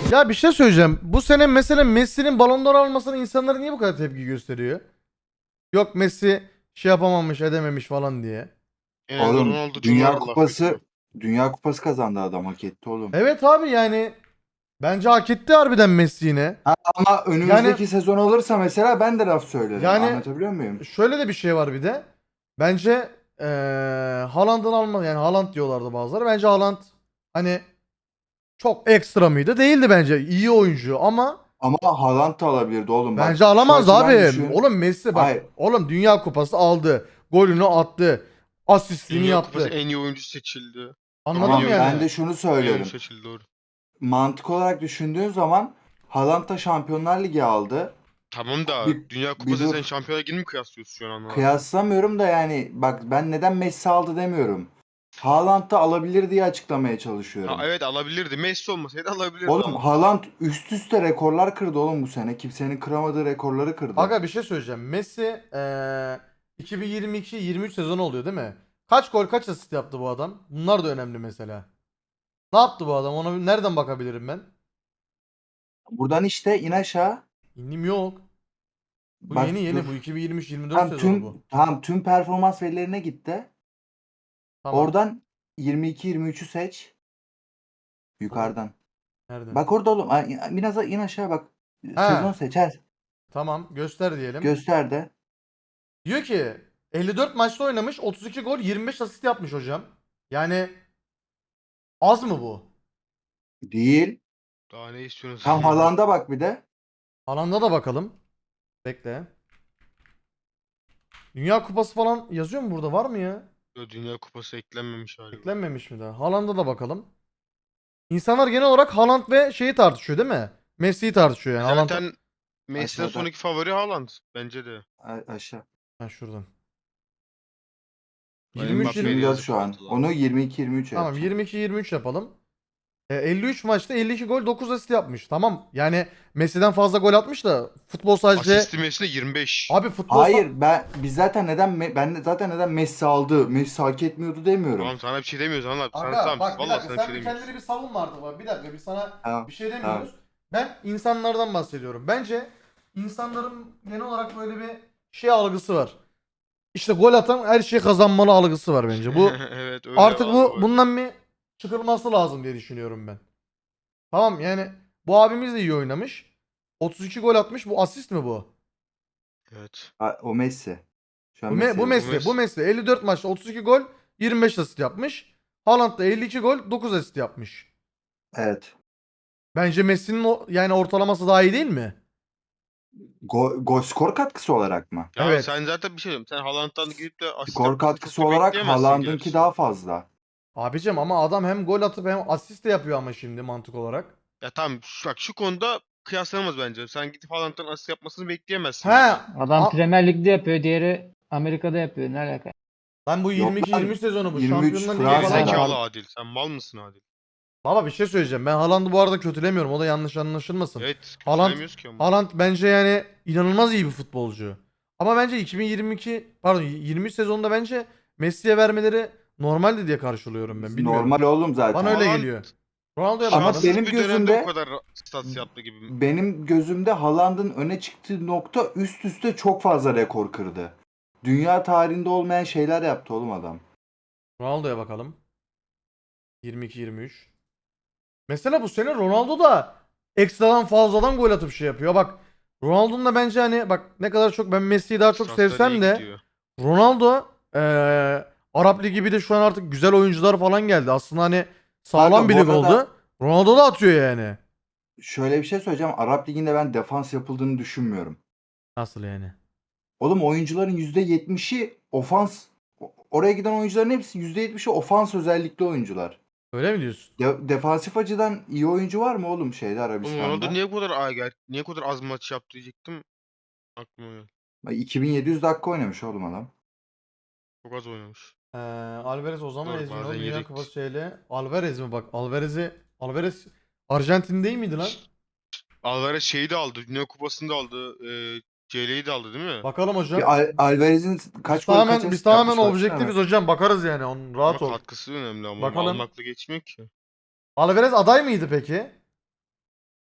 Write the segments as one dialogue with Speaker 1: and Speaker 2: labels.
Speaker 1: Ya bir şey söyleyeceğim. Bu sene mesela Messi'nin Ballon d'Or almasına insanlar niye bu kadar tepki gösteriyor? Yok Messi şey yapamamış, edememiş falan diye.
Speaker 2: Genelde
Speaker 3: Oğlum
Speaker 2: Ronaldo çok laf ediyor.
Speaker 3: Dünya Kupası kazandı adam, hak etti oğlum.
Speaker 1: Evet abi yani bence hak etti harbiden Messi yine.
Speaker 3: Ama
Speaker 1: Yani
Speaker 3: önümüzdeki sezon olursa mesela ben de laf söylerim.
Speaker 1: yani
Speaker 3: Anlatabiliyor muyum?
Speaker 1: şöyle de bir şey var bir de. Bence Haaland'ın alma yani Haaland diyorlardı bazıları. Bence Haaland hani çok ekstra mıydı? Değildi bence. İyi oyuncu ama
Speaker 3: Ama Haaland da alabilirdi oğlum,
Speaker 1: bence
Speaker 3: bak şu
Speaker 1: alamaz
Speaker 3: açıdan
Speaker 1: abi.
Speaker 3: düşün.
Speaker 1: Oğlum Messi bak.
Speaker 3: Hayır,
Speaker 1: Oğlum Dünya Kupası aldı. Golünü attı. Asistini
Speaker 2: Dünya Kupası
Speaker 1: yaptı.
Speaker 2: en iyi oyuncu seçildi. En
Speaker 1: Anladın
Speaker 2: iyi
Speaker 1: mı
Speaker 3: tamam,
Speaker 2: oyuncu,
Speaker 3: ben
Speaker 1: yani?
Speaker 3: de şunu
Speaker 2: en iyi oyuncu
Speaker 3: söylerim.
Speaker 2: seçildi doğru.
Speaker 3: Mantık olarak düşündüğün zaman Haaland da Şampiyonlar Ligi aldı.
Speaker 2: Tamam da
Speaker 3: Bir,
Speaker 2: Dünya
Speaker 3: bir
Speaker 2: Kupası sen
Speaker 3: dur.
Speaker 2: Şampiyonlar Ligi'ni mi kıyaslıyorsun şu an anlamadım.
Speaker 3: Kıyaslamıyorum da yani bak, ben neden Messi aldı demiyorum. Haaland da alabilir diye açıklamaya
Speaker 2: Ha
Speaker 3: çalışıyorum.
Speaker 2: evet alabilirdi. Messi olmasaydı alabilirdi
Speaker 3: Oğlum
Speaker 2: Haaland.
Speaker 3: Haaland üst üste rekorlar kırdı oğlum bu sene. Kimsenin kıramadığı rekorları kırdı.
Speaker 1: Aga bir şey söyleyeceğim. Messi 2022-23 sezonu oluyor değil mi? Kaç gol kaç asist yaptı bu adam? Bunlar da önemli mesela. Ne yaptı bu adam? Ona nereden bakabilirim ben?
Speaker 3: Buradan işte in aşağı.
Speaker 1: İndim yok. Bu
Speaker 3: Bak
Speaker 1: yeni bu
Speaker 3: dur.
Speaker 1: 2023-24
Speaker 3: Tam
Speaker 1: sezonu bu.
Speaker 3: tüm performans verilerine gitti.
Speaker 1: Tamam.
Speaker 3: Oradan 22-23'ü seç.
Speaker 1: Oğlum
Speaker 3: Yukarıdan.
Speaker 1: nerede?
Speaker 3: Bak orada oğlum. Biraz in aşağı bak. Sezon
Speaker 1: Ha
Speaker 3: seçer.
Speaker 1: tamam göster diyelim.
Speaker 3: Göster de.
Speaker 1: Diyor ki 54 maçta oynamış 32 gol 25 asist yapmış hocam. Yani az mı bu?
Speaker 3: Değil.
Speaker 2: Daha ne
Speaker 3: Tam
Speaker 2: istiyorsunuz?
Speaker 3: Haaland'a bak bir de.
Speaker 1: Alanda da bakalım. Bekle. Dünya Kupası falan yazıyor mu burada? Var mı ya?
Speaker 2: Dünya Kupası eklenmemiş galiba.
Speaker 1: Eklenmemiş mi daha? Haaland'a da bakalım. İnsanlar genel olarak Haaland ve şeyi tartışıyor değil mi? Messi'yi tartışıyor yani. Haaland...
Speaker 2: Zaten Messi'den
Speaker 3: Aşağıda.
Speaker 2: sonraki favori Haaland bence de.
Speaker 3: Aşağı.
Speaker 1: Ha şuradan.
Speaker 2: Mbappe'ye de
Speaker 1: 23-20
Speaker 3: 24
Speaker 2: yazık
Speaker 3: şu an.
Speaker 2: oldu lan.
Speaker 3: Onu 22-23
Speaker 1: tamam
Speaker 3: yapacağım.
Speaker 1: 22-23 yapalım. 53 maçta 52 gol 9 asist yapmış. Tamam yani Messi'den fazla gol atmış da futbol sadece
Speaker 2: Asisti Messi'de 25.
Speaker 1: abi
Speaker 3: Hayır, ben de zaten neden Messi aldı, Messi hak etmiyordu demiyorum.
Speaker 2: Tamam sana bir şey demiyoruz anlat. Sana
Speaker 1: Aga
Speaker 2: tamam
Speaker 1: bak bir
Speaker 2: vallahi
Speaker 1: dakika
Speaker 2: sana bir şey
Speaker 1: sen bir
Speaker 2: demiyoruz.
Speaker 1: kendini bir savunma artık bak. Bir dakika biz sana bir
Speaker 3: Tamam,
Speaker 1: şey
Speaker 3: tamam.
Speaker 1: demiyoruz. Ben insanlardan bahsediyorum. Bence insanların genel olarak böyle bir şey algısı var. İşte gol atan her şeyi kazanmalı algısı var bence. Bu
Speaker 2: Evet öyle
Speaker 1: artık
Speaker 2: algı var.
Speaker 1: bundan bir çıkılması lazım diye düşünüyorum ben. Tamam yani bu abimiz de iyi oynamış. 32 gol atmış. Bu asist mi bu?
Speaker 2: Evet.
Speaker 3: O Messi. Şu an
Speaker 1: Bu,
Speaker 3: Messi
Speaker 1: Bu
Speaker 2: Bu
Speaker 3: yazıyor.
Speaker 1: Messi. Bu
Speaker 2: Messi.
Speaker 1: Messi 54 maçta 32 gol 25 asist yapmış. Haaland da 52 gol 9 asist yapmış.
Speaker 3: Evet.
Speaker 1: Bence Messi'nin yani ortalaması daha iyi değil mi?
Speaker 3: Gol skor katkısı olarak mı?
Speaker 2: Ya
Speaker 1: Evet.
Speaker 2: sen zaten bir şey diyorum. Sen Haaland'dan gidip de asist
Speaker 3: Skor
Speaker 2: yapmasını çok
Speaker 3: katkısı
Speaker 2: da
Speaker 3: olarak
Speaker 2: bekleyemezsin
Speaker 3: Haaland'ınki
Speaker 2: gerçi.
Speaker 3: daha fazla.
Speaker 1: Abicim ama adam hem gol atıp hem asist de yapıyor ama şimdi mantık olarak.
Speaker 2: Ya tamam bak şu konuda kıyaslanamaz bence. Sen gidip Haaland'dan asist yapmasını
Speaker 1: He.
Speaker 2: bekleyemezsin bir de.
Speaker 4: Adam Premier Lig'de yapıyor, diğeri Amerika'da yapıyor. Ne alaka?
Speaker 1: Lan bu
Speaker 3: Yok lan,
Speaker 1: 22-23 sezonu bu.
Speaker 3: 23
Speaker 1: Şampiyonlar Ligi
Speaker 2: Geri
Speaker 1: falan
Speaker 3: Fransa'da.
Speaker 1: var.
Speaker 2: zekalı
Speaker 4: Pardon.
Speaker 2: Adil. Sen mal mısın Adil?
Speaker 1: Baba bir şey söyleyeceğim. Ben Haaland'ı bu arada kötülemiyorum. O da yanlış anlaşılmasın.
Speaker 2: Evet
Speaker 1: Haaland
Speaker 2: kötülemiyoruz ki ama.
Speaker 1: Haaland bence yani inanılmaz iyi bir futbolcu. Ama bence 2022 pardon 23 sezonunda bence Messi'ye vermeleri normaldi diye karşılıyorum ben. Bilmiyorum.
Speaker 3: Normal oğlum
Speaker 1: Bana
Speaker 3: zaten.
Speaker 1: öyle
Speaker 2: Haaland
Speaker 1: geliyor. Ronaldo'ya
Speaker 3: Ama
Speaker 1: bakalım.
Speaker 2: şanssız
Speaker 3: benim
Speaker 2: bir dönemde bu
Speaker 3: gözümde
Speaker 2: kadar stats yaptı gibi.
Speaker 3: benim gözümde Haaland'ın öne çıktığı nokta üst üste çok fazla rekor kırdı. Dünya tarihinde olmayan şeyler yaptı oğlum adam.
Speaker 1: Ronaldo'ya bakalım. 22-23. Mesela bu sene Ronaldo da ekstradan fazladan gol atıp şey yapıyor. Bak Ronaldo'nun da bence hani bak ne kadar çok ben Messi'yi daha çok
Speaker 2: Statsları iyi
Speaker 1: sevsem de
Speaker 2: gidiyor.
Speaker 1: Ronaldo Arap Ligi bir de şu an artık güzel oyuncular falan geldi. Aslında hani sağlam
Speaker 3: Kanka
Speaker 1: bir
Speaker 3: bu
Speaker 1: lig oldu.
Speaker 3: arada
Speaker 1: Ronaldo da atıyor yani.
Speaker 3: şöyle bir şey söyleyeceğim. Arap Ligi'nde ben defans yapıldığını düşünmüyorum.
Speaker 1: Nasıl yani?
Speaker 3: Oğlum oyuncuların %70'i ofans. Oraya giden oyuncuların hepsi %70'i ofans özellikli oyuncular.
Speaker 1: Öyle mi diyorsun?
Speaker 3: Defansif açıdan iyi oyuncu var mı oğlum şeyde,
Speaker 2: Oğlum Ronaldo
Speaker 3: Arabistan'da?
Speaker 2: niye bu kadar niye bu kadar az maç yaptı diyecektim. Aklıma geldi.
Speaker 3: 2700 dakika oynamış oğlum adam.
Speaker 2: Çok az oynamış.
Speaker 1: Alvarez o zaman
Speaker 2: Doğru bazen
Speaker 1: Ezminol Dünya
Speaker 2: yedekti.
Speaker 1: Kupası şeyle. Alvarez mi bak? Alvarez Arjantin değil miydi lan?
Speaker 2: Alvarez şeyi de aldı. Dünya Kupası'nı da aldı. CL'yi de aldı değil mi?
Speaker 1: Bakalım hocam.
Speaker 3: Alvarez'in
Speaker 1: Biz
Speaker 3: kaç gol kaç
Speaker 1: tamamen biz
Speaker 3: asist
Speaker 1: tamamen
Speaker 3: yapmış baksana
Speaker 1: objektifiz
Speaker 3: hemen.
Speaker 1: hocam. Bakarız yani. Onun rahat
Speaker 2: Ama
Speaker 1: ol.
Speaker 2: katkısı önemli ama oğlum.
Speaker 1: Bakalım.
Speaker 2: Almakla geçmiyor ki.
Speaker 1: Alvarez aday mıydı peki?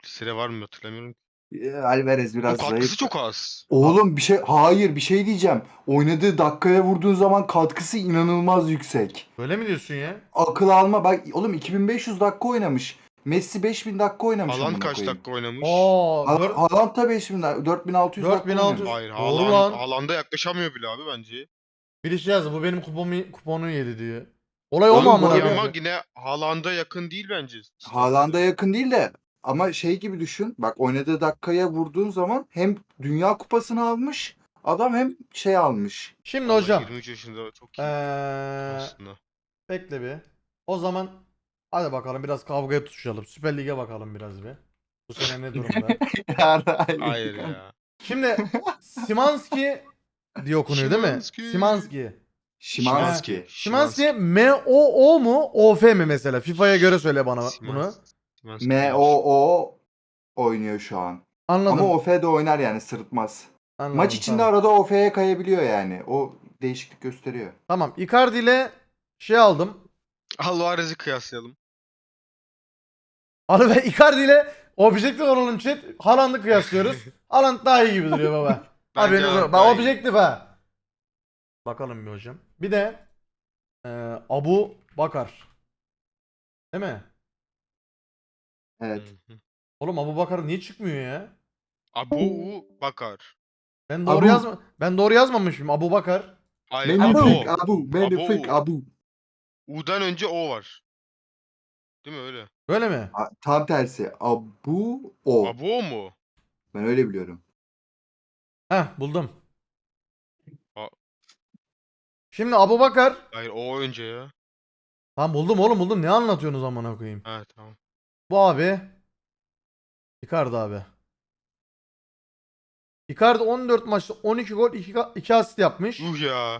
Speaker 2: Listede var mı hatırlamıyorum.
Speaker 3: Alvarez
Speaker 2: O
Speaker 3: biraz
Speaker 2: katkısı
Speaker 3: zayıf.
Speaker 2: çok az.
Speaker 3: Oğlum bir şey diyeceğim. Oynadığı dakikaya vurduğun zaman katkısı inanılmaz yüksek.
Speaker 1: Öyle mi diyorsun ya?
Speaker 3: Akıl alma bak oğlum 2500 dakika oynamış. Messi 5000 dakika oynamış
Speaker 2: Haaland
Speaker 3: amına
Speaker 2: kaç
Speaker 3: koyayım.
Speaker 2: dakika oynamış?
Speaker 1: Aa,
Speaker 3: Haaland da 5000 4600 dakika
Speaker 1: 4600.
Speaker 3: oynamış.
Speaker 2: Hayır,
Speaker 1: Doğru lan.
Speaker 2: Haaland'a yaklaşamıyor bile abi bence.
Speaker 1: Birisi yazdı bu benim kuponu yedi diyor. Olay o mu
Speaker 3: Oğlum bu
Speaker 1: amına
Speaker 3: arada-
Speaker 2: Ya ama
Speaker 1: koyayım?
Speaker 2: yine Haaland'a yakın değil bence.
Speaker 3: Haaland'a yakın değil de ama şey gibi düşün. Bak oynadığı dakikaya vurduğun zaman hem Dünya Kupası'nı almış adam hem şey almış.
Speaker 1: Şimdi
Speaker 2: Vallahi
Speaker 1: hocam.
Speaker 2: 23 yaşında çok iyi
Speaker 1: Eee
Speaker 2: aslında.
Speaker 1: bekle bir. O zaman hadi bakalım biraz kavgaya tutuşalım. Süper Lig'e bakalım biraz bir. Bu sene ne durumda?
Speaker 2: Hayır ya.
Speaker 1: Şimdi Simanski diye okunuyor değil mi?
Speaker 2: Szymański.
Speaker 1: Simanski.
Speaker 3: Şimanski.
Speaker 1: Simanski M-O-O mu? O-F mi mesela? FIFA'ya göre söyle bana bunu.
Speaker 2: Szymański.
Speaker 3: M-O-O oynuyor şu an.
Speaker 1: Anladım.
Speaker 3: Ama OF'de oynar yani sırıtmaz.
Speaker 1: Anladım,
Speaker 3: Maç içinde
Speaker 1: tamam.
Speaker 3: arada OF'ye kayabiliyor yani. O değişiklik gösteriyor.
Speaker 1: Tamam. Icardi ile şey aldım.
Speaker 2: Alvarez'i kıyaslayalım.
Speaker 1: Abi ben Icardi ile objektif olalım chat. Haaland'ı kıyaslıyoruz. Haaland daha iyi gibi duruyor baba.
Speaker 2: Bence
Speaker 1: Haberiniz
Speaker 2: Haaland
Speaker 1: olsun.
Speaker 2: daha
Speaker 1: Bak
Speaker 2: iyi.
Speaker 1: objektif ha. Bakalım bir hocam. Bir de Abu Bakar. Değil mi?
Speaker 3: Evet.
Speaker 2: Hı hı.
Speaker 1: Oğlum Abu Bakar niye çıkmıyor ya?
Speaker 2: Abu Bakar.
Speaker 1: Ben doğru yazmamışım. Abu Bakar.
Speaker 2: Hayır,
Speaker 3: Magnifique
Speaker 2: Abu.
Speaker 3: Abu. Magnifique Abu.
Speaker 2: U'dan önce O var. Değil mi öyle?
Speaker 1: Böyle mi?
Speaker 3: Tam tersi. Abu O.
Speaker 2: Abu O mu?
Speaker 3: Ben öyle biliyorum.
Speaker 1: Heh buldum.
Speaker 2: A-
Speaker 1: Şimdi Abu Bakar.
Speaker 2: Hayır, O önce ya.
Speaker 1: Tamam buldum oğlum buldum. Ne anlatıyorsunuz amına koyayım?
Speaker 2: Ha tamam.
Speaker 1: Bu abi. Icardi abi. Icardi 14 maçta 12 gol 2 asist yapmış.
Speaker 2: Ya.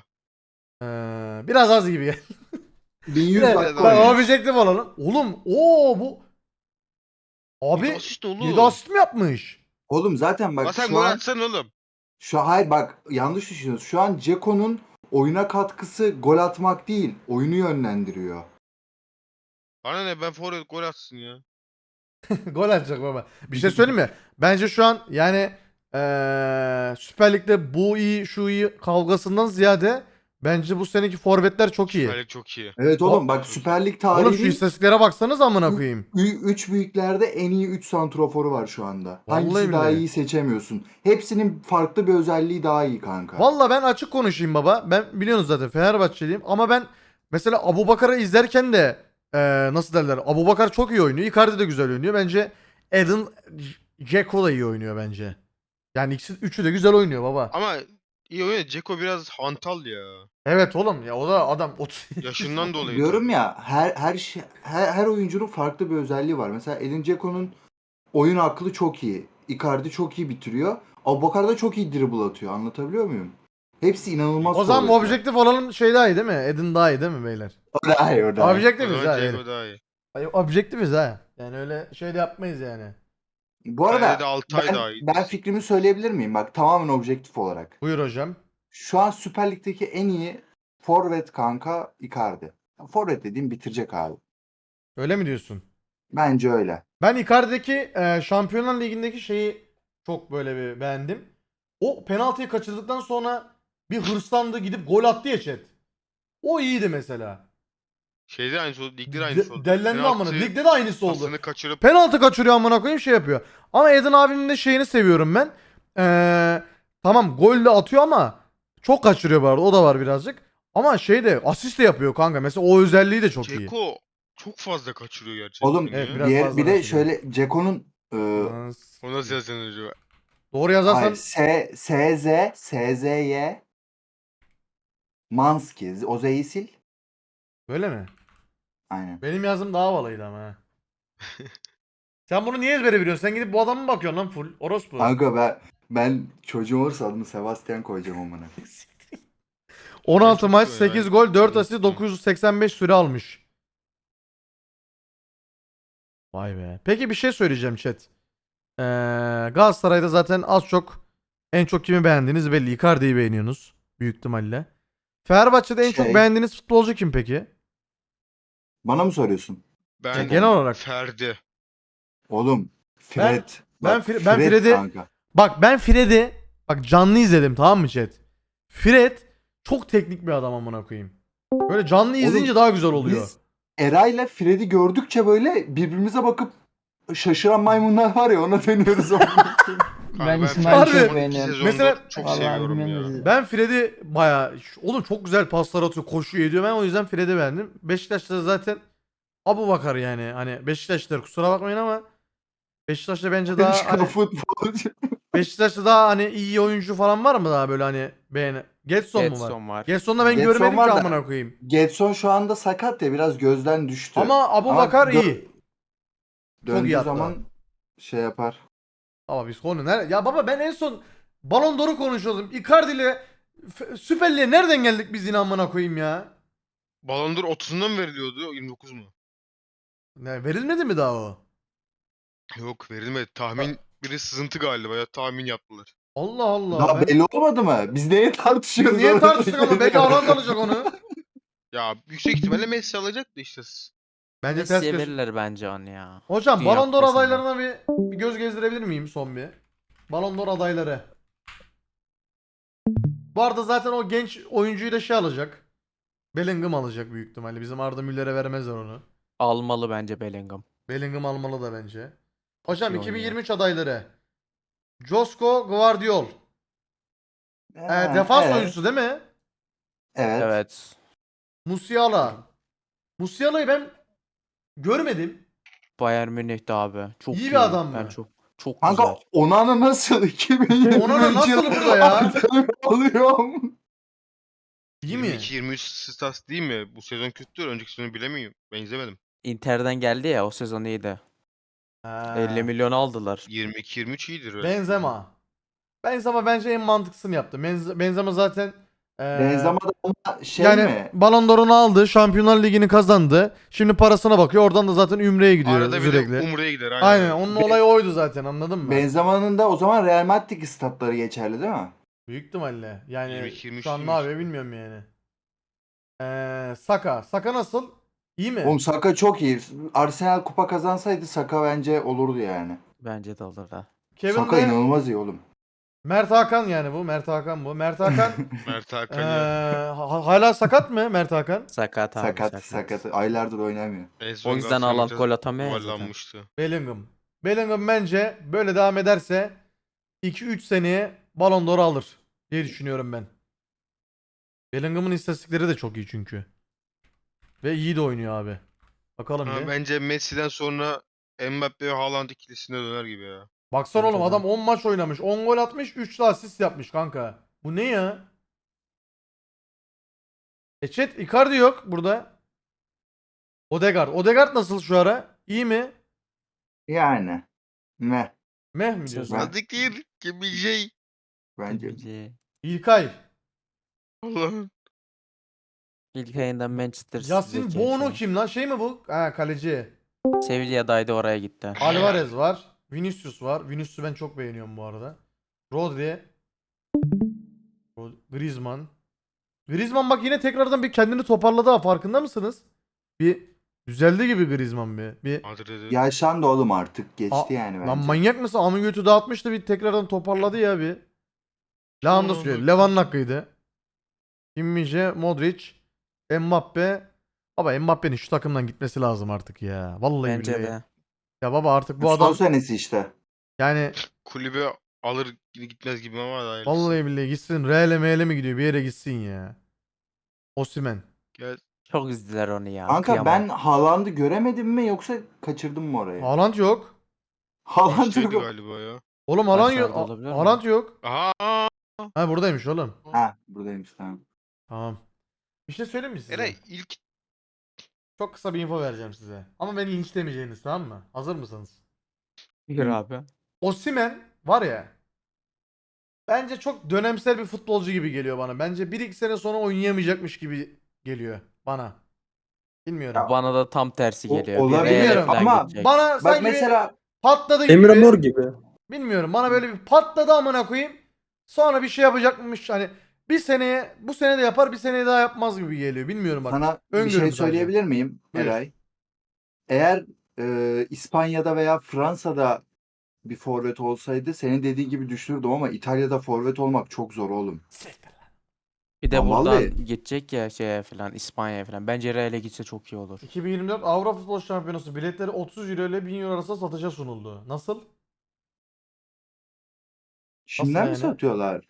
Speaker 1: Biraz az gibi geldi.
Speaker 3: 1100
Speaker 1: Evet,
Speaker 3: dakika
Speaker 1: bak
Speaker 3: oynamış.
Speaker 1: objektif olalım. Oğlum bu abi
Speaker 2: Bir asist oğlum.
Speaker 1: 7 asist mi yapmış?
Speaker 3: Oğlum zaten
Speaker 2: Lan
Speaker 3: bak
Speaker 2: sen
Speaker 3: şu
Speaker 2: gol
Speaker 3: an
Speaker 2: atsan oğlum.
Speaker 3: hayır bak yanlış düşünüyorsun. Şu an Ceko'nun oyuna katkısı gol atmak değil, oyunu yönlendiriyor.
Speaker 2: Bana ne, ben forvet gol atsın ya.
Speaker 1: Gol atacak baba. Bir şey söyleyeyim mi? Bence şu an yani Süper Lig'de bu iyi şu iyi kavgasından ziyade bence bu seneki forvetler çok iyi.
Speaker 2: Süper Lig çok iyi.
Speaker 3: Evet oğlum bak
Speaker 2: Çok
Speaker 3: Süper Lig
Speaker 1: Oğlum şu
Speaker 3: tarihinin
Speaker 1: istatistiklere baksanız amına koyayım.
Speaker 3: 3 büyüklerde en iyi 3 santroforu var şu anda.
Speaker 1: Vallahi
Speaker 3: Hangisi daha
Speaker 1: billahi.
Speaker 3: iyi seçemiyorsun. Hepsinin farklı bir özelliği daha iyi kanka.
Speaker 1: Valla ben açık konuşayım baba. Ben biliyorsunuz zaten Fenerbahçeliyim ama ben mesela Abubakar'ı izlerken de nasıl derler? Abubakar çok iyi oynuyor. Icardi de güzel oynuyor. Bence Eden Dzeko da iyi oynuyor bence. Yani ikisi üçü de güzel oynuyor baba.
Speaker 2: Ama iyi oynuyor. Ceko biraz hantal ya.
Speaker 1: Evet oğlum ya o da adam 30
Speaker 2: Yaşından dolayı.
Speaker 3: Diyorum
Speaker 2: tabii.
Speaker 3: ya her oyuncunun farklı bir özelliği var. Mesela Edin Dzeko'nun oyun aklı çok iyi. Icardi çok iyi bitiriyor. Abubakar da çok iyi dribble atıyor. Anlatabiliyor muyum? Hepsi inanılmaz
Speaker 1: O zaman
Speaker 3: forvetler.
Speaker 1: objektif olalım şey daha iyi değil mi? Eden daha iyi değil mi beyler?
Speaker 3: O daha iyi, o daha iyi.
Speaker 2: O
Speaker 1: Objektifiz
Speaker 2: zaman
Speaker 1: ha.
Speaker 2: Ceko
Speaker 1: beyler.
Speaker 2: daha iyi.
Speaker 1: Ay, objektifiz ha. Yani öyle şey de yapmayız yani.
Speaker 3: Bu
Speaker 2: Bence de
Speaker 3: arada
Speaker 2: Altay daha iyi.
Speaker 3: ben fikrimi söyleyebilir miyim? Bak tamamen objektif olarak.
Speaker 1: Buyur hocam.
Speaker 3: Şu an Süper Lig'deki en iyi forvet kanka Icardi. Forvet dediğim bitirecek abi.
Speaker 1: Öyle mi diyorsun?
Speaker 3: Bence öyle.
Speaker 1: Ben Icardi'deki Şampiyonlar Ligi'ndeki şeyi çok böyle bir beğendim. O penaltıyı kaçırdıktan sonra bir hırslandı gidip gol attı ya chat. O iyiydi mesela.
Speaker 2: Şeyde aynısı oldu. Ligde de aynısı oldu.
Speaker 1: Dellendi amına.
Speaker 2: Penaltı
Speaker 1: Ligde de aynısı oldu.
Speaker 2: pasını kaçırıp
Speaker 1: Penaltı kaçırıyor amına koyayım şey yapıyor. Ama Eden abinin de şeyini seviyorum ben. Tamam gol de atıyor ama çok kaçırıyor bu arada. O da var birazcık. Ama şey de asist de yapıyor kanka. Mesela o özelliği de çok iyi.
Speaker 2: Ceko çok fazla kaçırıyor gerçekten.
Speaker 3: Oğlum
Speaker 1: Evet,
Speaker 2: ya.
Speaker 1: biraz fazla
Speaker 3: bir de
Speaker 1: kaçırıyor.
Speaker 3: şöyle Ceko'nun
Speaker 2: O nasıl yazılıyor?
Speaker 1: Doğru yazarsan
Speaker 3: SZY Manski. O Z'yi sil.
Speaker 1: böyle mi?
Speaker 3: Aynen.
Speaker 1: Benim yazım daha havalıydı ama ha. Sen bunu niye ezbere biliyorsun? Sen gidip bu adamı mı bakıyorsun lan full? Orospu.
Speaker 3: Kanka ben çocuğum olursa adını Sebastian koyacağım amına.
Speaker 1: 16
Speaker 2: çok
Speaker 1: maç,
Speaker 2: iyi
Speaker 1: 8
Speaker 2: yani.
Speaker 1: gol, 4
Speaker 2: Çok
Speaker 1: asist,
Speaker 2: iyi.
Speaker 1: 985 süre almış. Vay be. Peki bir şey söyleyeceğim chat. Galatasaray'da zaten az çok en çok kimi beğendiğiniz belli. Icardi'yi beğeniyorsunuz. Büyük ihtimalle. Fenerbahçe'de en çok
Speaker 3: Şey-
Speaker 1: beğendiğiniz futbolcu kim peki?
Speaker 3: Bana mı soruyorsun?
Speaker 2: Ben
Speaker 1: genel olarak.
Speaker 2: Ferdi.
Speaker 3: Oğlum Fred.
Speaker 1: ben
Speaker 3: Bak,
Speaker 1: ben Fred'i
Speaker 3: kanka.
Speaker 1: bak ben Fred'i bak canlı izledim, tamam mı chat? Fred çok teknik bir adam amına koyayım. Böyle canlı izleyince daha güzel oluyor.
Speaker 3: Biz Eray'la Fred'i gördükçe böyle birbirimize bakıp şaşıran maymunlar var ya, ona dönüyoruz.
Speaker 4: Ben
Speaker 2: Harbi
Speaker 4: İsmail'i
Speaker 1: Harbi.
Speaker 4: çok
Speaker 2: son iki
Speaker 4: beğeniyorum.
Speaker 2: sezondur
Speaker 1: Mesela-
Speaker 2: çok
Speaker 4: Vallahi
Speaker 2: seviyorum
Speaker 4: bilmiyorum
Speaker 2: ya.
Speaker 4: bizi.
Speaker 1: Ben Fred'i bayağı oğlum çok güzel paslar atıyor, koşuyor ediyor. Ben o yüzden Fred'i beğendim. Beşiktaş'ta zaten Abubakar yani. Hani Beşiktaşlar kusura bakmayın ama Beşiktaş'ta bence daha hani
Speaker 3: futbolcu.
Speaker 1: Beşiktaş'ta daha hani iyi oyuncu falan var mı daha böyle hani beğeni? Getson mu var?
Speaker 5: Getson var.
Speaker 1: Getson'da ben
Speaker 3: Getson
Speaker 1: görmedim
Speaker 3: var
Speaker 1: ki
Speaker 3: da-
Speaker 1: amına koyayım.
Speaker 3: Getson şu anda sakat ya, biraz gözden düştü.
Speaker 1: Ama Abubakar
Speaker 3: dö-
Speaker 1: iyi. Çok
Speaker 3: Döndüğü
Speaker 1: iyi hatta.
Speaker 3: zaman şey yapar.
Speaker 1: Ama biz konu nerede? Ya baba ben en son Ballon d'Or'u konuşuyordum. Icardi ile Süper Lig'e nereden geldik biz yine amına koyayım ya?
Speaker 2: Ballon d'Or 30'unda mı veriliyordu? 29 mu?
Speaker 1: Ne verilmedi mi daha o?
Speaker 2: Yok, verilmedi. Tahmin biri sızıntı galiba ya, tahmin yaptılar.
Speaker 1: Allah Allah.
Speaker 3: Daha
Speaker 1: Ben-
Speaker 3: belli olmadı mı? Biz neye tartışıyoruz?
Speaker 1: Niye
Speaker 3: orada?
Speaker 1: tartıştık ama belki Haaland alacak onu.
Speaker 2: Ya yüksek ihtimalle Messi alacak da işte.
Speaker 1: Bence ters
Speaker 5: Messi'ye
Speaker 1: köşe.
Speaker 5: verirler bence onu ya.
Speaker 1: Hocam
Speaker 5: Dünya
Speaker 1: Ballon d'Or
Speaker 5: Kupası'nda.
Speaker 1: adaylarına bir göz gezdirebilir miyim son bir? Ballon d'Or adayları. Bu arada zaten o genç oyuncuyu da şey alacak. Bellingham alacak büyük ihtimalle. Bizim Arda Müller'e vermezler onu.
Speaker 5: Almalı bence Bellingham.
Speaker 1: Bellingham almalı da bence. Hocam
Speaker 5: iyi oynuyor.
Speaker 1: 2023 adayları. Josko Gvardiol.
Speaker 3: Ha,
Speaker 1: Defans
Speaker 3: evet.
Speaker 1: oyuncusu değil mi?
Speaker 3: Evet.
Speaker 5: Evet.
Speaker 1: Musiala. Musiala'yı ben görmedim.
Speaker 5: Bayern Münih'te abi. Çok
Speaker 1: İyi
Speaker 5: iyi.
Speaker 1: bir adam
Speaker 5: Ben
Speaker 1: mı?
Speaker 5: çok
Speaker 3: Kanka
Speaker 5: güzel.
Speaker 3: Onana nasıl? 2023
Speaker 1: Onana nasıl burada ya?
Speaker 3: Arsenal alıyorum.
Speaker 1: İyi mi?
Speaker 2: 22-23 stats değil mi? Bu sezon kötüdür. Önceki sezonu bilemiyorum. Ben izlemedim.
Speaker 5: Inter'den geldi ya, o sezon iyiydi.
Speaker 1: Ha.
Speaker 5: 50 milyon aldılar.
Speaker 2: 22-23 iyidir öyle.
Speaker 1: Benzema. Benzema bence en mantıklısını yaptı. Benzema zaten
Speaker 3: Benzema da ama şey
Speaker 1: yani
Speaker 3: mi?
Speaker 1: Ballon d'Or'unu aldı, Şampiyonlar Ligi'ni kazandı. Şimdi parasına bakıyor. Oradan da zaten Ümre'ye gidiyor
Speaker 2: Arada bir
Speaker 1: sürekli.
Speaker 2: de Umre'ye gider. Aynen.
Speaker 1: Aynen,
Speaker 2: öyle.
Speaker 1: onun olayı oydu zaten, anladın mı?
Speaker 3: Benzema'nın da o zaman Real Madrid statları geçerli değil mi?
Speaker 1: Büyük ihtimalle. Yani
Speaker 2: 22-23
Speaker 1: şu an ne
Speaker 2: değilmiş.
Speaker 1: yapıyor bilmiyorum yani. Saka. Saka nasıl? İyi mi?
Speaker 3: Oğlum Saka çok iyi. Arsenal kupa kazansaydı Saka bence olurdu yani.
Speaker 5: Bence de alır da.
Speaker 1: Kevin
Speaker 3: Saka
Speaker 1: de
Speaker 3: inanılmaz iyi oğlum.
Speaker 1: Mert Hakan yani bu. Mert Hakan bu. Mert Hakan
Speaker 2: Mert Hakan ya.
Speaker 1: hala sakat mı Mert Hakan?
Speaker 5: Sakat abi,
Speaker 3: Sakat. Aylardır oynamıyor.
Speaker 2: En son
Speaker 5: O yüzden
Speaker 2: Galatasaray
Speaker 5: Haaland
Speaker 2: maçı
Speaker 5: gol atamıyor ya zaten.
Speaker 2: yuvarlanmıştı.
Speaker 1: Bellingham. Bellingham bence böyle devam ederse 2-3 seneye Ballon d'Or alır diye düşünüyorum ben. Bellingham'ın istatistikleri de çok iyi çünkü. Ve iyi de oynuyor abi. Bakalım
Speaker 2: Ha,
Speaker 1: bir.
Speaker 2: bence Messi'den sonra Mbappe ve Haaland ikilisine döner gibi ya.
Speaker 1: Baksana
Speaker 5: Bence
Speaker 1: oğlum,
Speaker 5: de.
Speaker 1: adam 10 maç oynamış. 10 gol atmış. 3 de asist yapmış kanka. Bu ne ya? Chat, Icardi yok burada. Odegaard. Odegaard nasıl şu ara? İyi mi?
Speaker 3: Yani. Meh.
Speaker 1: Meh mi diyorsun?
Speaker 3: Ben-
Speaker 2: Sadikir gibi şey.
Speaker 3: Bence.
Speaker 5: Bence.
Speaker 1: İlkay.
Speaker 2: Allah'ım.
Speaker 5: İlk ayından Manchester
Speaker 1: Yasin
Speaker 5: City'deki
Speaker 1: Bono
Speaker 5: şey.
Speaker 1: kim lan? Şey mi bu? Ha, kaleci.
Speaker 5: Sevilla'daydı, oraya gitti.
Speaker 1: Alvarez var. Vinicius var. Vinicius'u ben çok beğeniyorum bu arada. Rodri. Griezmann. Griezmann bak yine tekrardan bir kendini toparladı ha, farkında mısınız? Bir düzeldi gibi Griezmann bir.
Speaker 2: Madrid'e.
Speaker 3: Yaşlandı oğlum artık. Geçti
Speaker 1: Aa,
Speaker 3: yani bence.
Speaker 1: Lan manyak mısın? Amın götü dağıtmıştı, bir tekrardan toparladı ya bir. Lewandowski
Speaker 2: Aman
Speaker 1: söylüyor.
Speaker 2: Allah'ım.
Speaker 1: Leva'nın hakkıydı. Kimmich, Modric, Mbappe. Baba Mbappe'nin şu takımdan gitmesi lazım artık ya. Vallahi
Speaker 5: Bence
Speaker 1: billahi.
Speaker 5: de.
Speaker 1: Ya baba artık bu
Speaker 3: Son
Speaker 1: adam
Speaker 3: senesi işte.
Speaker 1: yani
Speaker 2: Kulübe alır gitmez gibi ama hayırlısı.
Speaker 1: vallahi billahi gitsin. Real'e meyle mi gidiyor? Bir yere gitsin ya. Osimhen.
Speaker 2: Gel.
Speaker 5: Çok üzdüler onu ya.
Speaker 3: Kanka
Speaker 5: kıyamam.
Speaker 3: ben Haaland'ı göremedim mi yoksa kaçırdım mı orayı?
Speaker 1: Haaland yok.
Speaker 3: Haaland
Speaker 2: Şeydi
Speaker 3: yok.
Speaker 2: galiba ya.
Speaker 1: Oğlum Haaland
Speaker 5: Başlarda
Speaker 1: yok.
Speaker 5: olabilir mi?
Speaker 1: Haaland yok.
Speaker 2: Aha.
Speaker 1: Ha buradaymış oğlum.
Speaker 3: Ha buradaymış tamam.
Speaker 1: Tamam. Bir şey söyleyeyim mi size?
Speaker 2: Eray ilk
Speaker 1: Çok kısa bir info vereceğim size. Ama beni linçlemeyeceğiniz, tamam mı? Hazır mısınız?
Speaker 5: Yürü abi.
Speaker 1: Osimhen var ya. Bence çok dönemsel bir futbolcu gibi geliyor bana. Bence 1-2 sene sonra oynayamayacakmış gibi geliyor bana. Bilmiyorum.
Speaker 5: Bana da tam tersi
Speaker 3: O-
Speaker 5: geliyor.
Speaker 3: olabilir
Speaker 5: Bir Real'e falan
Speaker 3: ama
Speaker 5: gidecek.
Speaker 1: Bana
Speaker 3: Bak
Speaker 1: sanki
Speaker 3: mesela
Speaker 1: patladı gibi.
Speaker 6: Emre Mor gibi.
Speaker 1: Bilmiyorum. Bana böyle bir patladı amına koyayım. Sonra bir şey yapacakmış. Hani bir seneye, bu sene de yapar, bir seneye daha yapmaz gibi geliyor. Bilmiyorum bak.
Speaker 3: sana bir
Speaker 1: öngörüm
Speaker 3: şey
Speaker 1: sadece.
Speaker 3: söyleyebilir miyim
Speaker 1: Buyur.
Speaker 3: Eray? Eğer İspanya'da veya Fransa'da bir forvet olsaydı senin dediğin gibi düşünürdüm ama İtalya'da forvet olmak çok zor oğlum.
Speaker 5: Bir de
Speaker 3: Lan
Speaker 5: buradan
Speaker 3: vallahi.
Speaker 5: gidecek ya şeye falan İspanya'ya falan. Bence Real'e gitse çok iyi olur.
Speaker 1: 2024 Avrupa Futbol Şampiyonası biletleri 30 euro ile 1000 euro arasında satışa sunuldu. Nasıl?
Speaker 3: Şimdiden mi
Speaker 1: yani?
Speaker 3: satıyorlar?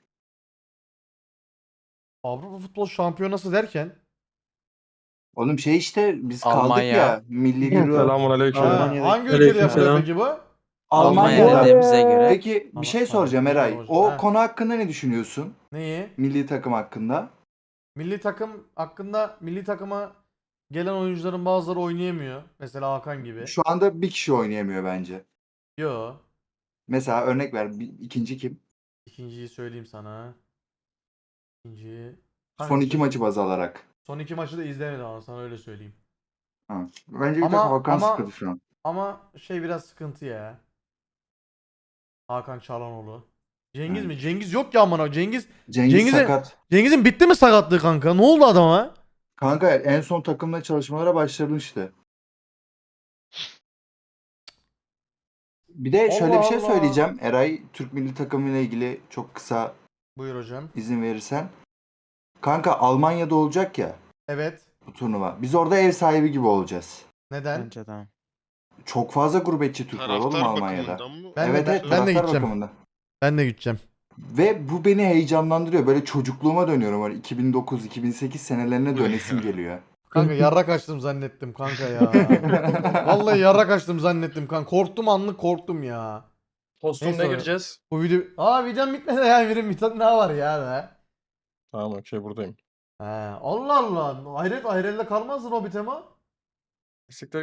Speaker 1: Avrupa Futbol Şampiyonası derken
Speaker 3: Oğlum şey işte biz kaldık
Speaker 5: Almanya.
Speaker 3: ya milli euro.
Speaker 6: Selamünaleyküm.
Speaker 1: ha,
Speaker 4: Almanya'da-
Speaker 1: hangi ülkede yapılıyor
Speaker 6: Aleykümselam.
Speaker 1: peki bu?
Speaker 5: Almanya
Speaker 3: Almanya'da.
Speaker 5: dediğimize göre
Speaker 3: Peki bir şey soracağım
Speaker 1: Tamam,
Speaker 3: Eray.
Speaker 1: tamam,
Speaker 3: O
Speaker 1: ha.
Speaker 3: konu hakkında ne düşünüyorsun?
Speaker 1: Neyi?
Speaker 3: Milli takım hakkında.
Speaker 1: Milli takım hakkında milli takıma gelen oyuncuların bazıları oynayamıyor. Mesela Hakan gibi.
Speaker 3: Şu anda bir kişi oynayamıyor bence.
Speaker 1: Yo.
Speaker 3: Mesela örnek ver. İkinci kim?
Speaker 1: İkinciyi söyleyeyim sana. İkinci.
Speaker 3: Son iki maçı baz alarak.
Speaker 1: Son iki maçı da izlemedim ama sana öyle söyleyeyim.
Speaker 3: Ha. Bence bir
Speaker 1: Ama-
Speaker 3: tek Hakan
Speaker 1: ama-
Speaker 3: sıkıntı şu an.
Speaker 1: Ama şey biraz sıkıntı ya. Hakan Çalhanoğlu. Cengiz
Speaker 3: Evet.
Speaker 1: mi? Cengiz yok ya amına. Cengiz
Speaker 3: Cengiz
Speaker 1: Cengiz'e-
Speaker 3: sakat.
Speaker 1: Cengiz'in bitti mi sakatlığı kanka? Ne oldu adama?
Speaker 3: Kanka en son takımla çalışmalara başlamıştı. Bir de şöyle
Speaker 1: Allah
Speaker 3: bir şey
Speaker 1: Allah.
Speaker 3: söyleyeceğim. Eray Türk milli takımıyla ilgili çok kısa
Speaker 1: Buyur hocam.
Speaker 3: izin verirsen. Kanka Almanya'da olacak ya
Speaker 1: Evet.
Speaker 3: bu turnuva. Biz orada ev sahibi gibi olacağız.
Speaker 1: Neden?
Speaker 5: bence de.
Speaker 3: Çok fazla gurbetçi Türk var oğlum
Speaker 2: Taraftar
Speaker 3: Almanya'da.
Speaker 2: bakımından mı?
Speaker 1: Ben de-
Speaker 3: Evet
Speaker 1: ben-
Speaker 3: evet
Speaker 1: ben de
Speaker 3: taraftar
Speaker 1: gideceğim.
Speaker 3: bakımından.
Speaker 1: Ben de gideceğim.
Speaker 3: Ve bu beni heyecanlandırıyor. Böyle çocukluğuma dönüyorum. Böyle 2009-2008 senelerine dönesim geliyor.
Speaker 1: Kanka yarrak açtım zannettim kanka ya. Vallahi yarrak açtım zannettim kanka. Korktum anlık korktum ya.
Speaker 6: Postun
Speaker 1: Neyse
Speaker 6: ne
Speaker 1: o-
Speaker 6: gireceğiz?
Speaker 1: Bu video... videom bitmedi ya. Bir tane daha var ya be.
Speaker 6: Tamam okey buradayım.
Speaker 1: He. Allah Allah. Hayret ayrelde kalmazdın o bir tema.
Speaker 6: Siktir